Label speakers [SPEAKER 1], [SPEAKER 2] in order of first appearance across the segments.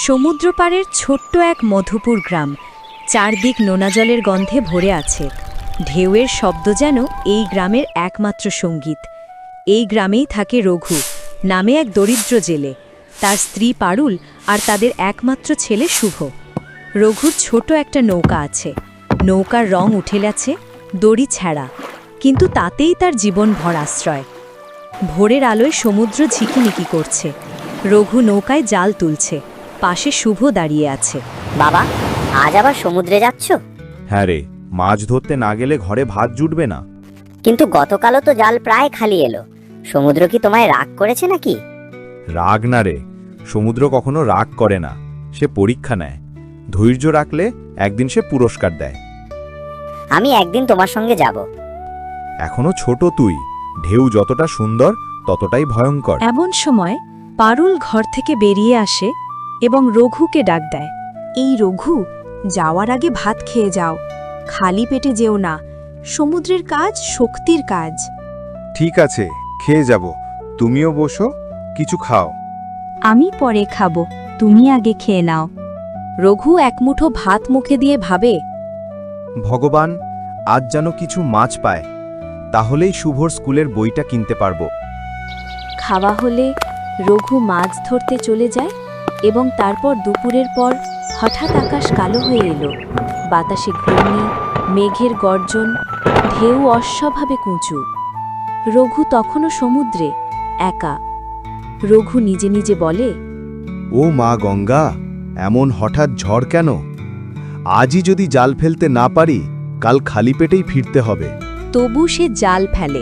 [SPEAKER 1] সমুদ্রপাড়ের ছোট্ট এক মধুপুর গ্রাম, চারদিক নোনা জলের গন্ধে ভরে আছে। ঢেউয়ের শব্দ যেন এই গ্রামের একমাত্র সঙ্গীত। এই গ্রামেই থাকে রঘু নামে এক দরিদ্র জেলে, তার স্ত্রী পারুল আর তাদের একমাত্র ছেলে শুভ। রঘুর ছোট একটা নৌকা আছে, নৌকার রং উঠে গেছে, দড়ি ছেঁড়া, কিন্তু তাতেই তার জীবনভর আশ্রয়। ভোরের আলোয় সমুদ্র ঝিকিমিকি করছে, রঘু নৌকায় জাল তুলছে, পাশে শুভ দাঁড়িয়ে আছে।
[SPEAKER 2] বাবা, আজ আবার সমুদ্রে যাচ্ছ?
[SPEAKER 3] হ্যাঁ রে, মাছ ধরতে না গেলে ঘরে ভাত জুটবে না।
[SPEAKER 2] কিন্তু গতকালও তো জাল প্রায় খালি এলো। সমুদ্র কি তোমায় রাগ করেছে নাকি?
[SPEAKER 3] রাগ না রে, সমুদ্র কখনো রাগ করে না, সে পরীক্ষা নেয়। ধৈর্য রাখলে একদিন সে পুরস্কার দেয়।
[SPEAKER 2] আমি একদিন তোমার সঙ্গে যাব।
[SPEAKER 3] এখনো ছোট তুই, ঢেউ যতটা সুন্দর ততটাই ভয়ঙ্কর।
[SPEAKER 1] এমন সময় পারুল ঘর থেকে বেরিয়ে আসে এবং রঘুকে ডাক দেয়। এই রঘু, যাওয়ার আগে ভাত খেয়ে যাও, খালি পেটে যেও না, সমুদ্রের কাজ শক্তির কাজ।
[SPEAKER 4] ঠিক আছে, খেয়ে যাব, তুমিও বসো, কিছু খাও।
[SPEAKER 1] আমি পরে খাবো, তুমি আগে খেয়ে নাও। রঘু এক মুঠো ভাত মুখে দিয়ে ভাবে,
[SPEAKER 3] ভগবান, আজ যেন কিছু মাছ পায়, তাহলেই শুভর স্কুলের বইটা কিনতে পারবো।
[SPEAKER 1] খাওয়া হলে রঘু মাছ ধরতে চলে যায় এবং তারপর দুপুরের পর হঠাৎ আকাশ কালো হয়ে এলো। বাতাসে ঘূর্ণি, মেঘের গর্জন, ঢেউ অস্বাভাবে কুঁচু। রঘু তখনও সমুদ্রে একা। রঘু নিজে নিজে বলে,
[SPEAKER 3] ও মা গঙ্গা, এমন হঠাৎ ঝড় কেন? আজই যদি জাল ফেলতে না পারি, কাল খালি পেটেই ফিরতে হবে।
[SPEAKER 1] তবু সে জাল ফেলে।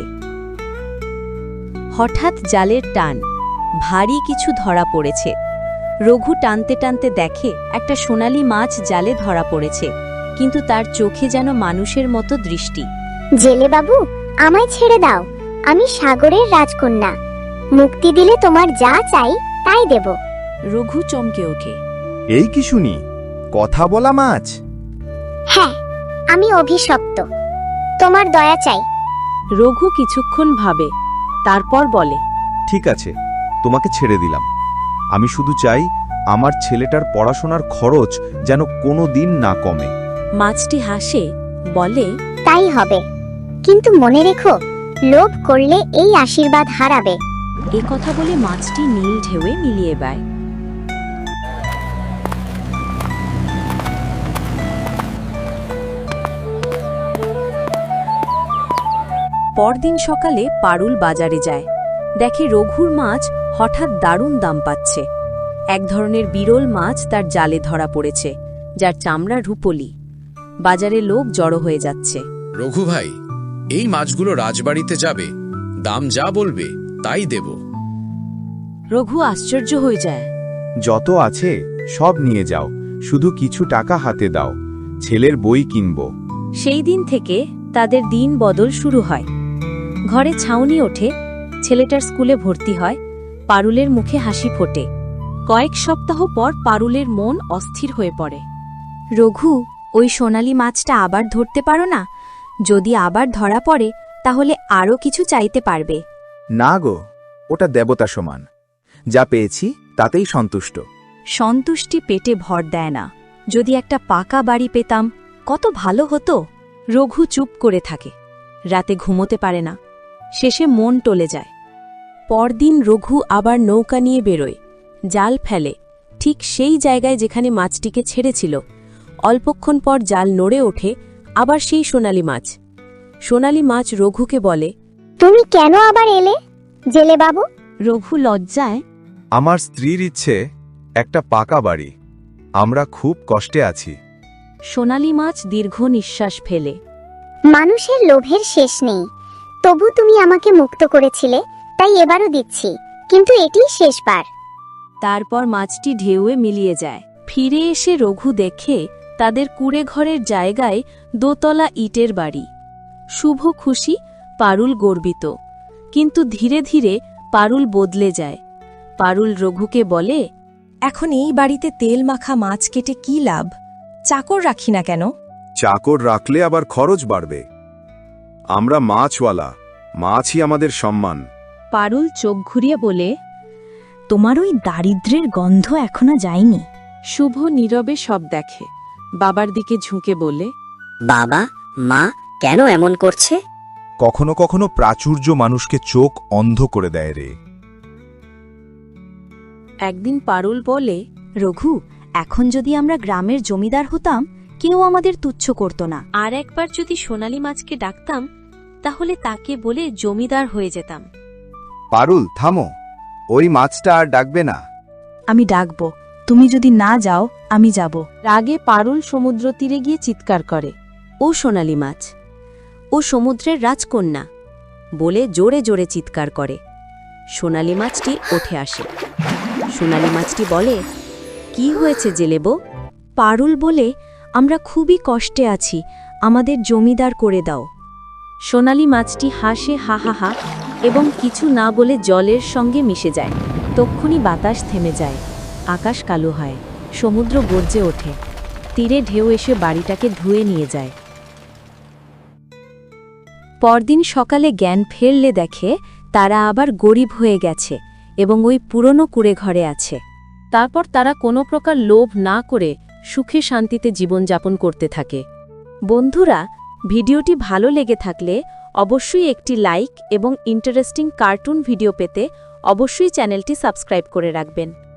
[SPEAKER 1] হঠাৎ জালের টান, ভারী কিছু ধরা পড়েছে। রঘু টানতে টানতে দেখে একটা সোনালি মাছ জালে ধরা পড়েছে, কিন্তু তার চোখে যেন মানুষের মতো দৃষ্টি।
[SPEAKER 5] জেলে বাবু, আমায় ছেড়ে দাও, আমি সাগরের রাজকন্যা। মুক্তি দিলে তোমার যা চাই তাই দেব।
[SPEAKER 1] রঘু চমকে ওঠে।
[SPEAKER 3] এই কি শুনি, কথা বলা মাছ?
[SPEAKER 5] হ্যাঁ, আমি অভিশপ্ত, তোমার দয়া চাই।
[SPEAKER 1] রঘু কিছুক্ষণ ভাবে, তারপর বলে,
[SPEAKER 3] ঠিক আছে, তোমাকে ছেড়ে দিলাম। আমি শুধু চাই আমার ছেলেটার পড়াশোনার খরচ যেন কোনো দিন না কমে।
[SPEAKER 1] মাছটি হাসে, বলে,
[SPEAKER 5] তাই হবে, কিন্তু মনে রেখো, লোভ করলে এই আশীর্বাদ হারাবে।
[SPEAKER 1] এ কথা বলে মাছটি নীল ঢেউয়ে মিলিয়ে যায়। পরদিন সকালে পারুল বাজারে যায়, দেখে রঘুর মাছ হঠাৎ দারুণ দাম পাচ্ছে। এক ধরনের বিরল মাছ তার জালে ধরা পড়েছে, যার চামড়া রূপলি। বাজারে লোক জড়ো হয়ে যাচ্ছে।
[SPEAKER 6] রঘু ভাই, এই মাছগুলো রাজবাড়িতে যাবে, দাম যা বলবে তাই দেব।
[SPEAKER 1] রঘু আশ্চর্য হয়ে যায়।
[SPEAKER 3] যত আছে সব নিয়ে যাও, শুধু কিছু টাকা হাতে দাও, ছেলের বই কিনব।
[SPEAKER 1] সেই দিন থেকে তাদের দিন বদল শুরু হয়। ঘরে ছাউনি ওঠে, ছেলেটার স্কুলে ভর্তি হয়, পারুলের মুখে হাসি ফোটে। কয়েক সপ্তাহ পর পারুলের মন অস্থির হয়ে পড়ে। রঘু, ওই সোনালি মাছটা আবার ধরতে পারো না? যদি আবার ধরা পড়ে তাহলে আরও কিছু চাইতে পারবে।
[SPEAKER 3] না গো, ওটা দেবতা সমান, যা পেয়েছি তাতেই সন্তুষ্ট।
[SPEAKER 1] সন্তুষ্টি পেটে ভর দেয় না। যদি একটা পাকা বাড়ি পেতাম কত ভালো হতো। রঘু চুপ করে থাকে, রাতে ঘুমোতে পারে না, শেষে মন টলে যায়। পরদিন রঘু আবার নৌকা নিয়ে বেরোয়, জাল ফেলে ঠিক সেই জায়গায় যেখানে মাছটিকে ছেড়েছিল। অল্পক্ষণ পর জাল নড়ে ওঠে, আবার সেই সোনালি মাছ। সোনালি মাছ রঘুকে বলে,
[SPEAKER 5] তুমি কেন আবার এলে, জেলে বাবু?
[SPEAKER 1] রঘু লজ্জায়,
[SPEAKER 4] আমার স্ত্রীর ইচ্ছে একটা পাকা বাড়ি, আমরা খুব কষ্টে আছি।
[SPEAKER 1] সোনালি মাছ দীর্ঘ নিঃশ্বাস ফেলে।
[SPEAKER 5] মানুষের লোভের শেষ নেই, তবু তুমি আমাকে মুক্ত করেছিলে, তাই এবারও দিচ্ছি, কিন্তু এটিই শেষবার।
[SPEAKER 1] তারপর মাছটি ঢেউয়ে মিলিয়ে যায়। ফিরে এসে রঘু দেখে তাদের কুড়ে ঘরের জায়গায় দোতলা ইটের বাড়ি। শুভ খুশি, পারুল গর্বিত। কিন্তু ধীরে ধীরে পারুল বদলে যায়। পারুল রঘুকে বলে, এখন এই বাড়িতে তেল মাখা মাছ কেটে কি লাভ? চাকর রাখি না কেন?
[SPEAKER 4] চাকর রাখলে আবার খরচ বাড়বে। আমরা মাছওয়ালা, মাছই আমাদের সম্মান।
[SPEAKER 1] পারুল চোখ ঘুরিয়ে বলে, তোমার ওই দারিদ্র্যের গন্ধ এখনো যায়নি।
[SPEAKER 7] শুভ নীরবে সব দেখে, বাবার দিকে ঝুঁকে বলে,
[SPEAKER 2] বাবা, মা কেন এমন করছে?
[SPEAKER 8] কখনো কখনো প্রাচুর্য মানুষকে চোখ অন্ধ করে দেয় রে।
[SPEAKER 7] একদিন পারুল বলে,
[SPEAKER 1] রঘু, এখন যদি আমরা গ্রামের জমিদার হতাম, কেউ আমাদের তুচ্ছ করত না।
[SPEAKER 9] আর একবার যদি সোনালী মাছকে ডাকতাম, তাহলে তাকে বলে জমিদার হয়ে যেতাম।
[SPEAKER 3] পারুল, থামো, ওই মাছটা আর ডাকবে না।
[SPEAKER 1] আমি ডাকব, তুমি যদি না যাও আমি যাব।
[SPEAKER 7] রাগে পারুল সমুদ্র তীরে গিয়ে চিৎকার করে,
[SPEAKER 1] ও সোনালী মাছ, ও সমুদ্রের রাজকন্যা বলে জোরে জোরে চিৎকার করে। সোনালী মাছটি ওঠে আসে। সোনালী মাছটি বলে, কি হয়েছে জেলেবো? পারুল বলে, আমরা খুবই কষ্টে আছি, আমাদের জমিদার করে দাও। সোনালী মাছটি হাসে হা হা হা এবং কিছু না বলে জলের সঙ্গে মিশে যায়। তক্ষুনি বাতাস থেমে যায়, আকাশ কালো হয়, সমুদ্র গর্জে ওঠে, তীরে ঢেউ এসে বাড়িটাকে ধুয়ে নিয়ে যায়। পরদিন সকালে জ্ঞান ফেরলে দেখে তারা আবার গরিব হয়ে গেছে এবং ওই পুরনো কুঁড়ে ঘরে আছে।
[SPEAKER 7] তারপর তারা কোনো প্রকার লোভ না করে সুখে শান্তিতে জীবনযাপন করতে থাকে।
[SPEAKER 1] বন্ধুরা, ভিডিওটি ভালো লেগে থাকলে অবশ্যই একটি লাইক এবং ইন্টারেস্টিং কার্টুন ভিডিও পেতে অবশ্যই চ্যানেলটি সাবস্ক্রাইব করে রাখবেন।